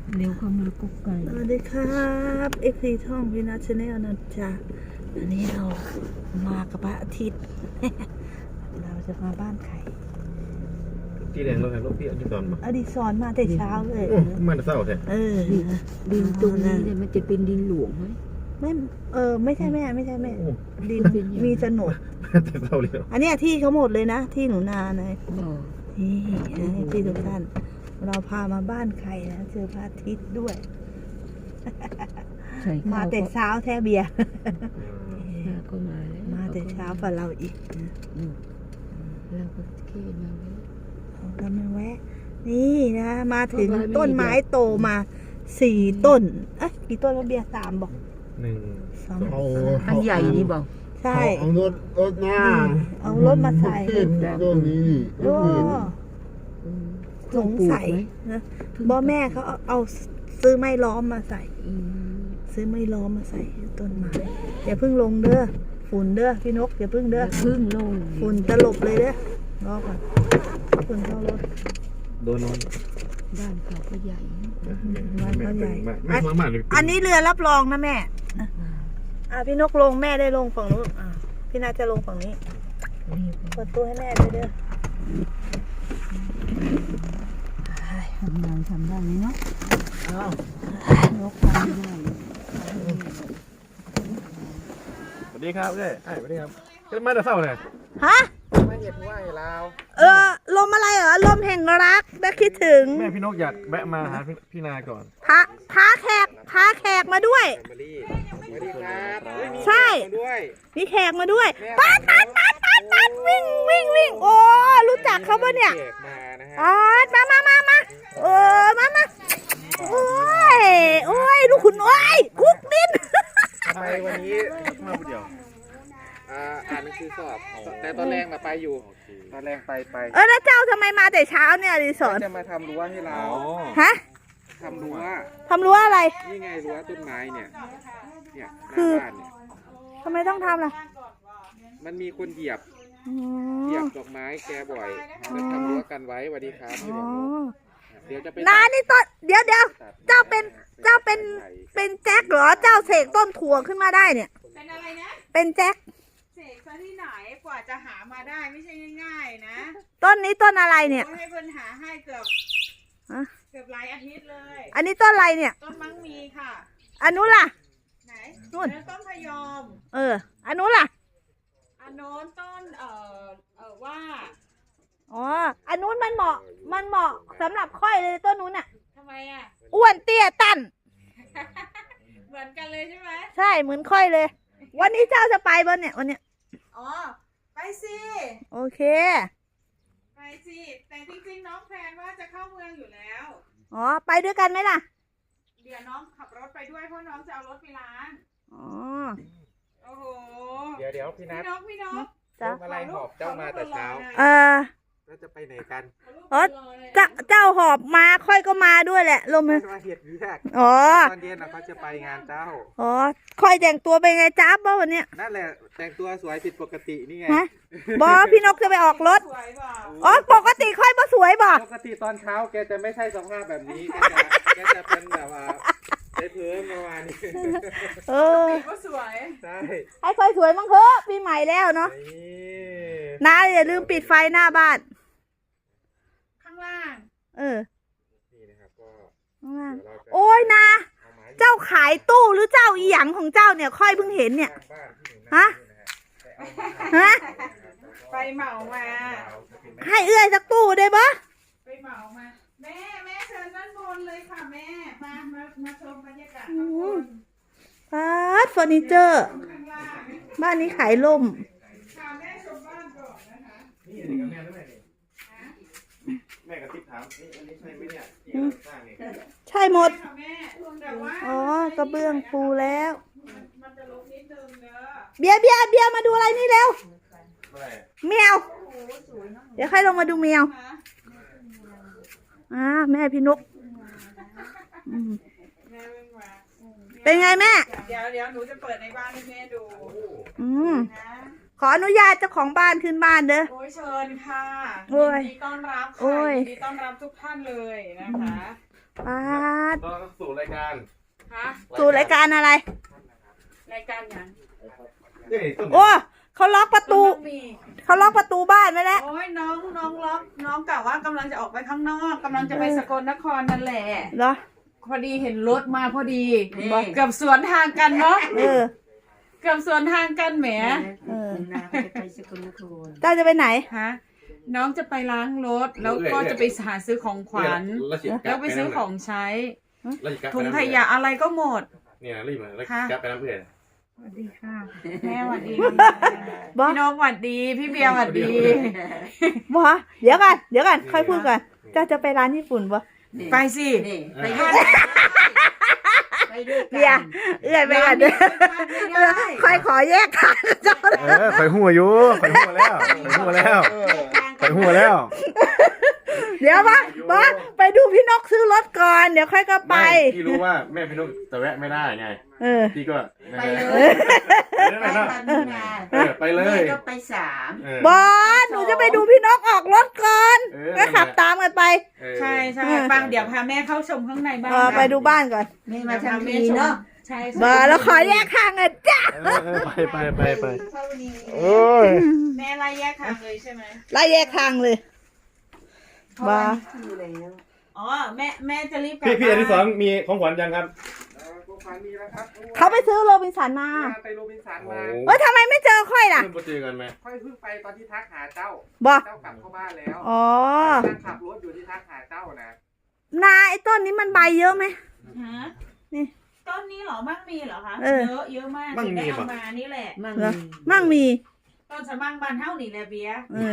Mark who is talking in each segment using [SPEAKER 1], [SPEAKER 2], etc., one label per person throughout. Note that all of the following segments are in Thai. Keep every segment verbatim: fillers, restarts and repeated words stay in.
[SPEAKER 1] เร็วเข้ามากุ๊กไก่
[SPEAKER 2] สวัสดีครับเอ็กซีท่องวินาชแนลนะจ๊ะอันนี้เรามากับพระอาทิตย์ เราจะมาบ้านใคร
[SPEAKER 3] ที่แดงเราเห็นรถพี่อดิศรมา
[SPEAKER 2] อดิศรมาแต่เช้าเลย
[SPEAKER 3] มาแต่เช้าแท้
[SPEAKER 2] เออ
[SPEAKER 1] ดินตรงนี้เนี่ยมันจะเป็นดินหลวงไหม
[SPEAKER 2] ไม่เออไม่ใช่แม่ไม่ใช่แม่ดินมีโฉนด
[SPEAKER 3] แต่เช้าเลย
[SPEAKER 2] อันนี้ที่เขาหมดเลยนะที่หนูนาเลยนี่ที่ทุกท่านเราพามาบ้านใครนะเจอพระอาทิตย์ด้วยมาแต่เช้าแท้เบียร์
[SPEAKER 1] ก็มาแล้ว
[SPEAKER 2] มาแต่เช้าฝ่าเราอีกนะ
[SPEAKER 1] เราก็เคี่มาแล้ว
[SPEAKER 2] เรามาแวะนี่นะมาถึงต้นไม้โตมาสี่ต้นเอ๊ะกี่ต้นแล้วเบียร์สามบอก
[SPEAKER 3] หนึ่ง
[SPEAKER 2] สอง
[SPEAKER 1] อันใหญ่นี่บอก
[SPEAKER 2] ใช่
[SPEAKER 4] เอารถรถหน้า
[SPEAKER 2] เอารถมาใส่
[SPEAKER 4] ต้นนี้
[SPEAKER 2] โอ้สงสัยนะบ่แม่เขาเอาซื้อไม้ล้อมมาใส่ซื้อไม้ล้อมมาใส่ต้นไม้อย่าเพิ่งลงเด้อฝุ่นเด้อพี่นกอย่าเพิ่งเด้อ
[SPEAKER 1] พึ่งลง
[SPEAKER 2] ฝุ่นตลบเลยเด้อรอก่อนฝุ่นเข้ารถ
[SPEAKER 3] โดนนอน
[SPEAKER 1] บ้านเขาก็ใหญ่
[SPEAKER 2] บ้านเขาใหญ่
[SPEAKER 3] อั
[SPEAKER 2] นนี้เรือรับรองนะแม่อ่ะพี่นกลงแม่ได้ลงฝั่งนู้นอ่ะพี่นาจะลงฝั่งนี้เปิดตู้ให้แม่ด้วยเด้อ
[SPEAKER 1] ทำงานทำได้ไหมเนาะนกทำได้
[SPEAKER 3] สวัสดีครับเจ้สวัสดีครับขึ้นมาแต่เช้าเลย
[SPEAKER 2] ฮะ
[SPEAKER 3] มาเหยียดไหวลาว
[SPEAKER 2] เออลมอะไรเหรอลมแห่งรักได้คิดถึง
[SPEAKER 3] แม่พี่นกอยากแวะมาหาพี่นาก่อน
[SPEAKER 2] พาพาแขกพาแขกมาด้วยใช่มีแขกมาด้วยปัดปัดปัดปัดปัดวิ่งวิ่งวิ่งโอ้รู้จักเขาปะเนี่ยปัดมามามามาเออมามาโอ้ยโอ้ยลูกขุนโอ้ยคุกดิน
[SPEAKER 3] ทำไมวันนี้มาผู้เดียว
[SPEAKER 5] อ่านหนังสือสอบแต่ตอนแรกมาไปอยู่ตอนแรกไปไป
[SPEAKER 2] เออแล้วเจ้าทำไมมาแต่เช้าเนี่ยดิสอน
[SPEAKER 5] จะมาทำรั้วให้เรา
[SPEAKER 2] ฮะ
[SPEAKER 5] ทำรั้ว
[SPEAKER 2] ทำรั้วอะไร
[SPEAKER 5] นี่ไงรั้วต้นไม้เนี่ยเนี่ย
[SPEAKER 2] คือทำไมต้องทำล่ะ
[SPEAKER 5] มันมีคนเหยียบเหยียบดอกไม้แกบ่อยจะทำรั้วกันไว้สวัสดีครับเดี๋ยวจะไป
[SPEAKER 2] นานี่ต้นเดี๋ยวเดี๋ยวเจ้าเป็นเจ้าเป็นเป็นแจ็คเหรอเจ้าเสกต้นถั่วขึ้นมาได้เนี่ย
[SPEAKER 6] เป็นอะไรนะ
[SPEAKER 2] เป็นแจ็ค
[SPEAKER 6] เสกซะที่ไหนกว่าจะหามาได้ไม่ใช่ง่ายๆนะ
[SPEAKER 2] ต้นนี้ต้นอะไรเนี่ย
[SPEAKER 6] ให้เพื่อนหาให้เกือบเกือบหลายอาทิตย์เลย
[SPEAKER 2] อันนี้ต้นอะไรเนี่ย
[SPEAKER 6] ต้นมังมีค่ะ
[SPEAKER 2] อันนู้นล่ะ
[SPEAKER 6] ไหนนู่นต้นพยอม
[SPEAKER 2] เอออันนู้นล่ะ
[SPEAKER 6] อันโน้นต้นเอ่อเอ่อว่า
[SPEAKER 2] อ๋ออันนู้นมันเหมาะมันเหมาะสำหรับค่อยเลยต้นนู้นอ่ะ
[SPEAKER 6] ทำไมอ่ะ
[SPEAKER 2] อ้วนเตี้ยตัน
[SPEAKER 6] เหมือนกันเลยใช่ไหม
[SPEAKER 2] ใช่เหมือนค่อยเลยวันนี้เจ้าจะไปบ้านเนี่ยวันเนี้ย
[SPEAKER 6] อ๋อไปสิ
[SPEAKER 2] โอเค
[SPEAKER 6] ไปสิแต่จริงๆน้องแพนว่าจะเข้าเมืองอยู่แล้ว
[SPEAKER 2] อ๋อไปด้วยกันไหมล่ะ
[SPEAKER 6] เดี๋ยวน้องขับรถไปด้วยเพราะน้องจะเอารถไปล้าง
[SPEAKER 2] อ๋อ
[SPEAKER 6] โอ้โห
[SPEAKER 5] เดี๋ยวเดี๋ยวพี่นัท
[SPEAKER 6] พี่นกพี่นก
[SPEAKER 5] จ้าอะไรหอบเจ้ามาแต่เช้า
[SPEAKER 2] เออ
[SPEAKER 5] แล้วจะไปไหนกัน
[SPEAKER 2] อ๋อเจ้าเจ้าหอบมาค่อยก็มาด้วยแหละลมเลย
[SPEAKER 5] มาเห็ดเรียก
[SPEAKER 2] อ๋อ
[SPEAKER 5] ตอนเย็นนะเขาจะไปงานเจ้า
[SPEAKER 2] อ๋อค่อยแต่งตัวเป็นไงจ้าบ้าวันเนี้ย
[SPEAKER 5] นั่นแหละแต่งตัวสวยผิดปกตินี่ไง
[SPEAKER 2] ฮะบอพี่นกจะไปออกรถอ๋อปกติค่อยบ่สวยบ่
[SPEAKER 5] ปกติตอนเช้าแกจะไม่ใช่สภาพแบบนี้แกจะแกจะเป็นแบบว่าได้เพิ่มประมาณนี้
[SPEAKER 2] เออ
[SPEAKER 6] ก็สวย
[SPEAKER 5] ใช่
[SPEAKER 2] ให้ค่อยสวยมั้งเถอะปีใหม่แล้วเนาะน้าอย่าลืมปิดไฟหน้าบ้าน
[SPEAKER 6] ข้างล่าง
[SPEAKER 2] เออ
[SPEAKER 5] นี่นะครับก็
[SPEAKER 2] ข้างล่างโอ้ยนะเจ้าขายตู้หรือเจ้าอีหยังของเจ้าเนี่ยค่อยเพิ่งเห็นเนี่ยฮะฮะ
[SPEAKER 6] ไปเหมามา
[SPEAKER 2] ให้เอื้อยสักตู้ได้ปะ
[SPEAKER 6] ไปเหมามาแม่แม่เชิญด้านบนเลยค่ะแม่มามามาชมบรรยากาศข้างบน
[SPEAKER 2] พาร์ทเฟอร์นิเจอร์บ้านนี้ขายล่ม
[SPEAKER 6] ค่ะแม่ชมบ้านก่อนนะคะ
[SPEAKER 3] นี่อันนี้ก็แม่ด้วยนี่แม่กับทิพย์ถามนี่อันนี้ใช่ไหมเนี่ยที่เราสร้างเนี่ย
[SPEAKER 2] ใช่หมด
[SPEAKER 6] อ๋
[SPEAKER 2] อกระเบื้องปูแล้ว
[SPEAKER 6] มันจะลบนิดนึงเนอะ
[SPEAKER 2] เบียร์เบียร์เบียร์มาดูอะไรนี่เร็วแมวเดี๋ยวใครลงมาดูแมวอ่าแม่พี่นกเป็นไงแม่
[SPEAKER 6] เดี๋ยวเดี๋ยวหนูจะเปิดในบ้านให้แม่ดู
[SPEAKER 2] อืมขออนุญาตเจ้าของบ้านขึ้นบ้านเด้อ
[SPEAKER 6] โอ้ยเชิญค่ะยิ
[SPEAKER 2] น
[SPEAKER 6] ดีต้อนรับค่ะยินดีต้อนรับทุกท่านเลยนะคะ
[SPEAKER 2] ป้าด
[SPEAKER 3] ต้องสู่รายการ
[SPEAKER 6] ฮะ
[SPEAKER 2] สู่รายการอะไร
[SPEAKER 6] รายการยัง
[SPEAKER 3] นี่ต้น
[SPEAKER 2] โอ้เขาล็อกประตู
[SPEAKER 6] มันมี
[SPEAKER 2] เขาล็อกประตูบ้านไว้แล้ว
[SPEAKER 6] โอ้ยน้องน้องล็อกน้องกะว่ากำลังจะออกไปข้างนอกกำลังจะไปสกลนครนั่นแหละ
[SPEAKER 2] เหรอ
[SPEAKER 6] พอดีเห็นรถมาพอดีบอกเกือบสวนทางกันเนาะ
[SPEAKER 2] เออ
[SPEAKER 6] เกือบสวนทางกันแหม
[SPEAKER 2] เออ
[SPEAKER 1] นาจะไปสกลนคร
[SPEAKER 2] เจ้าจะไปไหน
[SPEAKER 6] ฮะน้องจะไปล้างรถแล้วก็จะไปหาซื้อของขวัญแล้วไปซื้อของใช้ถุงขยะอะไรก็หมด
[SPEAKER 3] เนี่ยรีบมาแล้ว
[SPEAKER 6] ค่ะ
[SPEAKER 3] กลับไปน้ำเพื่อน
[SPEAKER 6] สวัสดีค่ะแม่สวัสดี
[SPEAKER 2] บอ
[SPEAKER 6] พี่นกสวัสดีพี่เบียร์สวัสดี
[SPEAKER 2] บอเดี๋ยวกันเดี๋ยวกันค่อยพูดก่อนเจ้าจะไปร้านญี่ปุ่นปะ
[SPEAKER 6] ไปสิ
[SPEAKER 1] นี่ไปด้วยไปด้วยกัน
[SPEAKER 2] เบียร์เอื้อยไปกันเด้อค่อยขอแยกทางกับเจ้า
[SPEAKER 3] เออข่อยหัวอยู่ข่อยหัวแล้วข่อยหัวแล้วข่อยหัวแล้ว
[SPEAKER 2] เดี๋ยวมามาไปดูพี่นกซื้อรถก่อนเดี๋ยวค่อยก็ไป
[SPEAKER 3] ไม่พี่รู้ว่าแม่พี่นุ๊กจะแวะไม่ได้ไง
[SPEAKER 2] เออ
[SPEAKER 3] พี่ก็
[SPEAKER 1] ไปเลย
[SPEAKER 3] ไป
[SPEAKER 1] ไป
[SPEAKER 3] เนาะ
[SPEAKER 1] ตามนี้นา
[SPEAKER 3] เออไปเลย
[SPEAKER 1] แม่ก็ไปสาม
[SPEAKER 3] เออบ
[SPEAKER 2] อสหนูจะไปดูพี่นกออกรถก่อน
[SPEAKER 3] เออ
[SPEAKER 2] ก็ขับตามกันไป
[SPEAKER 3] เออ
[SPEAKER 6] ใช่ใช่ปังเดี๋ยวพาแม่เข้าชมข้างในบ้าน
[SPEAKER 2] เออไปดูบ้านก่อน
[SPEAKER 1] แม่มาทำดีเนาะ
[SPEAKER 6] ใช่
[SPEAKER 2] บอสแล้วขอแยกทางกันจ้า
[SPEAKER 3] เออเออไปไปไปไป
[SPEAKER 1] เท่านี้
[SPEAKER 3] โอ้ย
[SPEAKER 6] แม่ไล่แยกทางเลยใช่ไหม
[SPEAKER 2] ไล่แยกทางเลย
[SPEAKER 1] เพราะว่าอยู่แล้ว
[SPEAKER 6] อ๋อแม่แม่จะรีบกลับ
[SPEAKER 3] พี่พี่อันที่สอง
[SPEAKER 6] บ้าน
[SPEAKER 3] มีของขวัญยังครับ
[SPEAKER 5] ของขวัญมีแล้วครับ
[SPEAKER 2] เขาไปซื้อโรบินสันมา
[SPEAKER 5] ไปโรบินสันมา
[SPEAKER 2] เอ้ยทำไมไม่เจอค่อยล่ะ
[SPEAKER 3] เพิ่งไปเจอกันไหม
[SPEAKER 5] ค่อยเพิ่งไปตอนที่ทักหาเจ้า
[SPEAKER 2] บอ
[SPEAKER 5] เจ้ากลับเข้าบ้านแล้ว
[SPEAKER 2] อ๋อ
[SPEAKER 5] นั่งขับรถอยู่ที่ทักหาเจ้านะ
[SPEAKER 2] นาไอ้ต้นนี้มันใบเยอะไหม
[SPEAKER 6] ฮะ
[SPEAKER 2] นี่
[SPEAKER 6] ต้นนี้เหรอมั่งมีเหรอคะ
[SPEAKER 2] เออ
[SPEAKER 6] เยอะเยอะมาก
[SPEAKER 3] มั่งมี
[SPEAKER 6] ถึได้
[SPEAKER 3] ปะ
[SPEAKER 6] เอามานี่แหละ
[SPEAKER 1] มั่ง
[SPEAKER 2] เหรอ
[SPEAKER 1] มี
[SPEAKER 2] มั่งมี
[SPEAKER 6] ต้นสะมั่งบานเท่านี่แหละเบียร์
[SPEAKER 2] เออ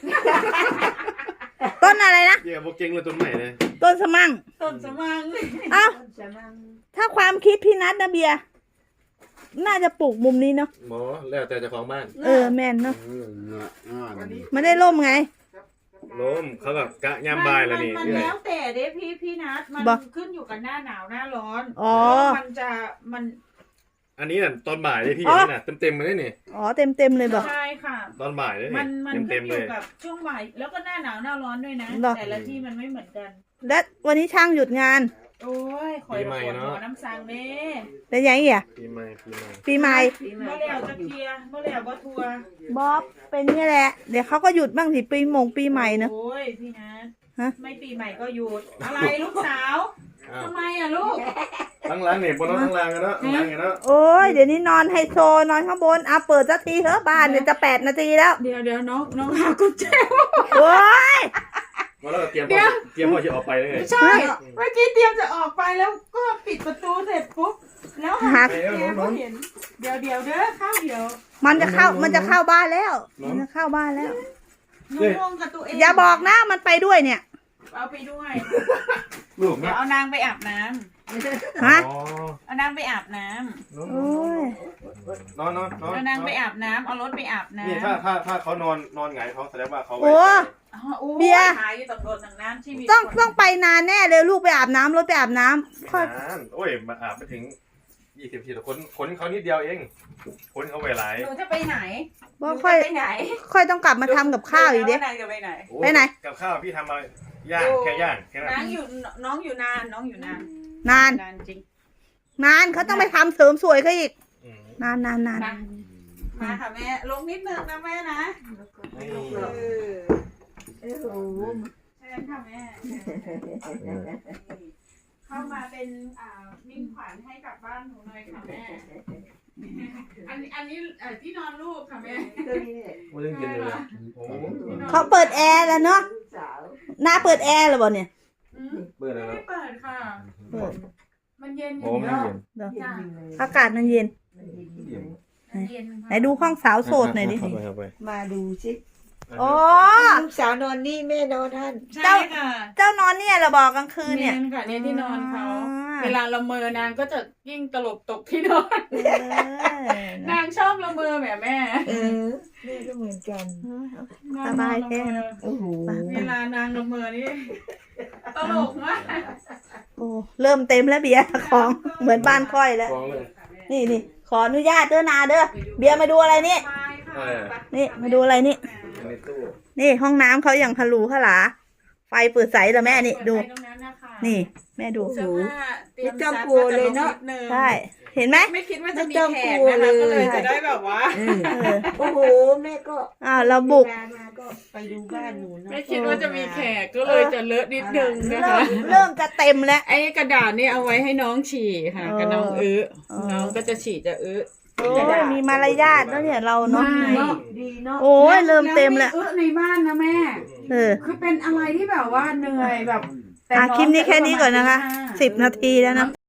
[SPEAKER 2] ต้นอะไรนะ
[SPEAKER 3] เดี๋ยวพวกเก่งเลยต้นใหม่เลย
[SPEAKER 2] ต้นสมั่ง
[SPEAKER 6] ต้นสะมั่ง
[SPEAKER 2] เอ้า
[SPEAKER 1] จะมั่ง
[SPEAKER 2] ถ้าความคิดพี่นัทนะเบียร์น่าจะปลูกมุมนี้เนาะ
[SPEAKER 3] หมอแล้วแต่เจ้าของบ้าน
[SPEAKER 2] เออแม่นเนาะ
[SPEAKER 5] วันนี้
[SPEAKER 2] ไม่ได้ล่มไง
[SPEAKER 3] ล้มเขาแบบกะยามบ่ายแล้วนี่
[SPEAKER 6] มัน
[SPEAKER 3] เรื่อย
[SPEAKER 6] แล้วแต่เด้พี่พี่นัทมัน
[SPEAKER 2] บอก
[SPEAKER 6] ขึ้นอยู่กับหน้าหนาวหน้าร้อน
[SPEAKER 2] อ๋อ
[SPEAKER 6] แล้วมันจะมัน
[SPEAKER 3] อันนี้น่ะตอนบ่ายเลยพี่
[SPEAKER 2] อ๋อ
[SPEAKER 3] อันนี้น่ะเต็มเต็มๆเลยนี่
[SPEAKER 2] อ๋อเต็มเต็มๆเลยบอก
[SPEAKER 6] ใช่ค่ะ
[SPEAKER 3] ตอนบ่ายเลย
[SPEAKER 6] มั
[SPEAKER 3] นี่
[SPEAKER 6] นมัน
[SPEAKER 3] เต็ม
[SPEAKER 6] ขึ้
[SPEAKER 3] เต็
[SPEAKER 6] น
[SPEAKER 3] ม
[SPEAKER 6] อ
[SPEAKER 3] เล
[SPEAKER 6] ยู่
[SPEAKER 3] ย
[SPEAKER 6] กับช่วงบ่ายแล้วก็หน้าหนาวหน้าร้อนด้วยนะ
[SPEAKER 2] หรอ
[SPEAKER 6] แต่ละที่มันไม่เหมือนกัน
[SPEAKER 2] และวันนี้ช่างหยุดงาน
[SPEAKER 6] โอ้ยคอย
[SPEAKER 3] ปีใหม่
[SPEAKER 6] ปวด
[SPEAKER 3] เนอะ
[SPEAKER 6] หัวน้ำสังเด้
[SPEAKER 2] เป็นยังไงอ่ะ
[SPEAKER 3] ปีใหม่ปีใหม่
[SPEAKER 2] ปีใหม่
[SPEAKER 1] ปีใหม่
[SPEAKER 6] เมื่อแล้วจะเคลียร์เมื่อแล้วก็ทัวร์
[SPEAKER 2] บ๊อบเป็นนี่แหละ เดี๋ยวเขาก็หยุดบ้างสิปีมงปีใหม่เนอะ
[SPEAKER 6] โอ้ยพี่นัท
[SPEAKER 2] ฮะ
[SPEAKER 6] ไม่ปีใหม่ก็หยุดอะไรลูกสาว
[SPEAKER 3] อ้าว
[SPEAKER 6] ทำไมอ่ะลูก
[SPEAKER 3] ทั้งหล้างเนี่ยบนรถทั้งหล้างกันเนาะทั้งหล้างกันเนาะ
[SPEAKER 2] โอ้ยเดี๋ยวนี้นอนไฮโซนอนข้างบนอ่ะเปิดสักทีเถอะบ้านเนี่ยจะแปดนาทีแล้ว
[SPEAKER 6] เดี๋ยวเดี๋ยวน้องน้องหากุญแจ
[SPEAKER 2] โอ้ย
[SPEAKER 3] มาแล้วก็เตรียม
[SPEAKER 6] เดี๋ยว
[SPEAKER 3] เตรียมพ่อจะออกไปเลยไง
[SPEAKER 6] ใช่เมื่อกี้เตรียมจะออกไปแล้วก็ปิดประตูเสร็จปุ๊บแล้วหากุญแจก็เห็นเดี๋ยวเดี๋ยวเด้อเข้าเดี๋ยว
[SPEAKER 2] มันจะเข้ามันจะเข้าบ้านแล้ว มันจะเข้าบ้านแล้ว
[SPEAKER 6] หนูงงกับตัวเอง
[SPEAKER 2] อย่าบอกนะมันไปด้วยเนี่ย
[SPEAKER 6] เอาไปด้วย
[SPEAKER 3] ลูก
[SPEAKER 6] เดี๋ยว
[SPEAKER 3] เนาะ
[SPEAKER 6] เอานางไปอาบน้ำ
[SPEAKER 2] ฮะ
[SPEAKER 3] อ๋อ
[SPEAKER 6] เอานางไปอาบน้ำ
[SPEAKER 3] นอน
[SPEAKER 2] โอ้ย
[SPEAKER 3] นอนนอนนอน
[SPEAKER 6] เอานางไปอาบน้ำเอารถไปอาบน้ำ
[SPEAKER 3] นี่ถ้าถ้าถ้าเขานอนนอนหงายท้องแสดงว่าเขาไว้
[SPEAKER 2] โอ้
[SPEAKER 6] อ๋อโอ้
[SPEAKER 2] เบียร์
[SPEAKER 6] หายอยู่ตำรวจหนังน้ำชีวิต
[SPEAKER 2] ต้องต้องไปนานแน่เลยลูกไปอาบน้ำรถไปอาบน้ำค่อย
[SPEAKER 3] นานโอ้ยมาอาบไม่ถึงยี่สิบทีแต่คนคนเขานิดเดียวเองคนเขาไว้หลาย
[SPEAKER 6] หนูจะไปไหน
[SPEAKER 2] ว่า
[SPEAKER 6] หนู
[SPEAKER 2] ค่อย
[SPEAKER 6] จะไปไหน
[SPEAKER 2] ค่อยต้องกลับมาทำกับข้าวอีกเด้
[SPEAKER 6] นางจะไปไหน
[SPEAKER 3] โอ้
[SPEAKER 2] ไปไหน
[SPEAKER 3] กับข้าวพี่ทำมาย่างแค่ย่างแค่นั้น
[SPEAKER 6] น้องอยู่น้องอยู่นานน้องอยู่นาน
[SPEAKER 2] นาน
[SPEAKER 6] นานจริง
[SPEAKER 2] นานเขาต้องไปทำเสริมสวยเขาอีก
[SPEAKER 3] อืม
[SPEAKER 2] นานนานนาน
[SPEAKER 6] มามาค่ะแม่ลงนิดนึงนะแม่นะ
[SPEAKER 3] นี่
[SPEAKER 6] เออ
[SPEAKER 1] โอ้โห
[SPEAKER 6] ใช่ค่ะแม่เข้ามาเป็นอ่ามิ่งขวัญให้กับบ้านหนูหน่อยค่ะแม่อันนี้อันนี้เอ่อที่นอนลูกค่ะแม่
[SPEAKER 1] ตัวนี้เนี่ย
[SPEAKER 3] ไม่ต้องกินเลยอะโอ้
[SPEAKER 2] เขาเปิดแอร์แล้วเนาะ
[SPEAKER 1] ลูกสาว
[SPEAKER 2] หน้าเปิดแอร์แล้วบ่เนี่ย
[SPEAKER 6] อืม
[SPEAKER 3] เบื่อ
[SPEAKER 6] ไม่
[SPEAKER 3] แล้ว
[SPEAKER 6] ได้เปิดค่ะ
[SPEAKER 2] เปิด
[SPEAKER 6] มันเย็นอ
[SPEAKER 3] โอ้
[SPEAKER 6] ยู่
[SPEAKER 3] ไม่
[SPEAKER 6] เนาะ
[SPEAKER 3] เย็น
[SPEAKER 2] เดี๋ยว
[SPEAKER 1] เย็นๆเลย
[SPEAKER 2] อากาศมันเย็น
[SPEAKER 3] เย็น
[SPEAKER 6] มันเย็น
[SPEAKER 2] ไหนดูห้องสาวโสดหน่อยดิ
[SPEAKER 3] เข้าไปเข้าไป
[SPEAKER 1] มาดูสิ
[SPEAKER 2] โอ้
[SPEAKER 1] ลูกสาวนอนนี่แม่นอนท่าน
[SPEAKER 6] ใช่ค่ะ
[SPEAKER 2] เจ้านอนเนี่ยเหราบอกกลางคืนเนี่ย
[SPEAKER 6] ค่ะเนี่ยที่นอนเขา
[SPEAKER 2] อ่า
[SPEAKER 6] เวลาละเมอนางก็จะยิ่งตลบตกที่นอน
[SPEAKER 2] เออน
[SPEAKER 6] างชอบละเมอแหมแม่
[SPEAKER 1] เออแม่ก็เหมือนกัน
[SPEAKER 6] นาง
[SPEAKER 2] สบาย
[SPEAKER 6] ละ
[SPEAKER 2] แท้
[SPEAKER 6] เมอ
[SPEAKER 2] เนอะ
[SPEAKER 1] โอ้โห
[SPEAKER 6] เวลานางละเมอนี่ตลกมาก
[SPEAKER 2] โอ้เริ่มเต็มแล้วเบียร์ของเหมือนบ้านค่อยแล้ว
[SPEAKER 3] ฟ้องเลย
[SPEAKER 2] นี่นี่ขออนุญาตเด้อนาเด้อเบียร์มาดูอะไรนี่
[SPEAKER 6] ไปค่ะ
[SPEAKER 3] เออ
[SPEAKER 2] นี่มาดูอะไรนี่
[SPEAKER 3] ในตู้
[SPEAKER 2] นี่ห้องน้ำเขาอย่างทะลุขลาไฟเปิดใสเหรอแม่นี่ดู
[SPEAKER 6] เปิไฟตรงนั้นนะคะ
[SPEAKER 2] นี่ แม่ดู
[SPEAKER 6] เสื้อผ้าเตรียม
[SPEAKER 1] ไม่ต้อง
[SPEAKER 6] ซัก
[SPEAKER 1] กลัวเลยเนอะ
[SPEAKER 6] ก็จดงดง
[SPEAKER 2] ใช่ เห็นไหม
[SPEAKER 6] ไม่คิดว่าจะมี
[SPEAKER 1] ไม่ต้อง
[SPEAKER 6] แข
[SPEAKER 1] ก
[SPEAKER 6] ก
[SPEAKER 1] ลัว
[SPEAKER 6] นะคะก็เลย
[SPEAKER 1] เลย
[SPEAKER 6] จะได้แบบว่า
[SPEAKER 1] เออ
[SPEAKER 2] เออ
[SPEAKER 1] โอ้โหแม่ก็
[SPEAKER 2] อ้าวเราบุก
[SPEAKER 1] เวลามาก็ไปดูบ้านหนูเนอะ
[SPEAKER 6] ไม่คิดว่าจะมีแขกก็เลยจะเลอะนิดนึงนะ
[SPEAKER 2] เริ่
[SPEAKER 6] คะ
[SPEAKER 2] มเริ่มจะเต็มแล้ว
[SPEAKER 6] ไอ้กระดาษนี่เอาไว้ให้น้องฉี่ค่ะ
[SPEAKER 2] เออ
[SPEAKER 6] กับน้องอื้อ
[SPEAKER 2] เออ
[SPEAKER 6] น้องก็จะฉี่จะอื้อ
[SPEAKER 2] โอ้ยมีมารยาทแล้วเนี่ยเราเนาะ
[SPEAKER 1] เนาะดีเนาะ
[SPEAKER 2] โอ้ยเริ่มเต็มแล้ว
[SPEAKER 6] แวไอื้อในบ้านนะแม่
[SPEAKER 2] เออ
[SPEAKER 6] คือเป็นอะไรที่แบบว่าเหนื่อยแบบแต่
[SPEAKER 2] อ่ะ
[SPEAKER 6] อง
[SPEAKER 2] คลิปนี้แค่นี้ก่อนนะคะ
[SPEAKER 6] จปรมาณ
[SPEAKER 2] สิบนาทีแล้วนะ